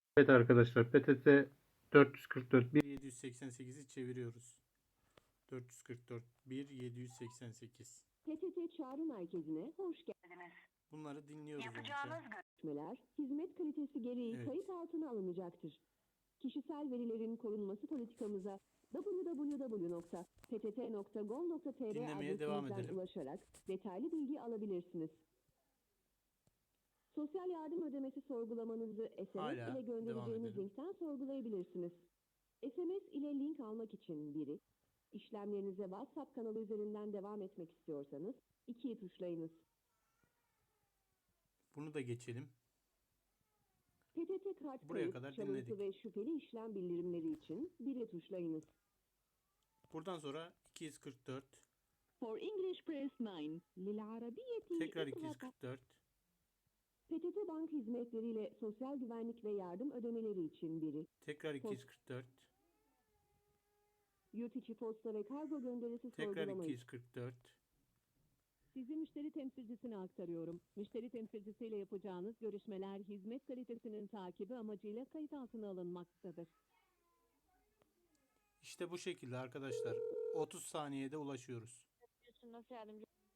Evet arkadaşlar, PTT 444 1788'i çeviriyoruz. 444 1788. PTT Çağrı Merkezi'ne hoş geldiniz. Bunları dinliyoruz Yapacağınız önce. görüşmeler hizmet kalitesi gereği Evet. kayıt altına alınacaktır. Kişisel verilerin korunması politikamıza www.ptt.gov.tr Dinlemeye devam adresimizden edelim. ulaşarak detaylı bilgi alabilirsiniz. Sosyal yardım ödemesi sorgulamanızı SMS Hala ile devam göndereceğimiz edelim. linkten sorgulayabilirsiniz. SMS ile link almak için 1'i, işlemlerinize WhatsApp kanalı üzerinden devam etmek istiyorsanız 2'yi tuşlayınız. Bunu da geçelim. PTT kart Buraya kayıp, kadar çalıntı dinledik. ve şüpheli işlem bildirimleri için 1'e tuşlayınız. Buradan sonra 244. For English press 9. للعربية Tekrar اضغط. 244. PTT Bank hizmetleriyle sosyal güvenlik ve yardım ödemeleri için 1'i. Tekrar 244. Yurt içi posta ve kargo gönderisi Tekrar sorgulamayı. 244. Sizi müşteri temsilcisine aktarıyorum. Müşteri temsilcisiyle yapacağınız görüşmeler hizmet kalitesinin takibi amacıyla kayıt altına alınmaktadır. İşte bu şekilde arkadaşlar. 30 saniyede ulaşıyoruz. Nasıl yardımcı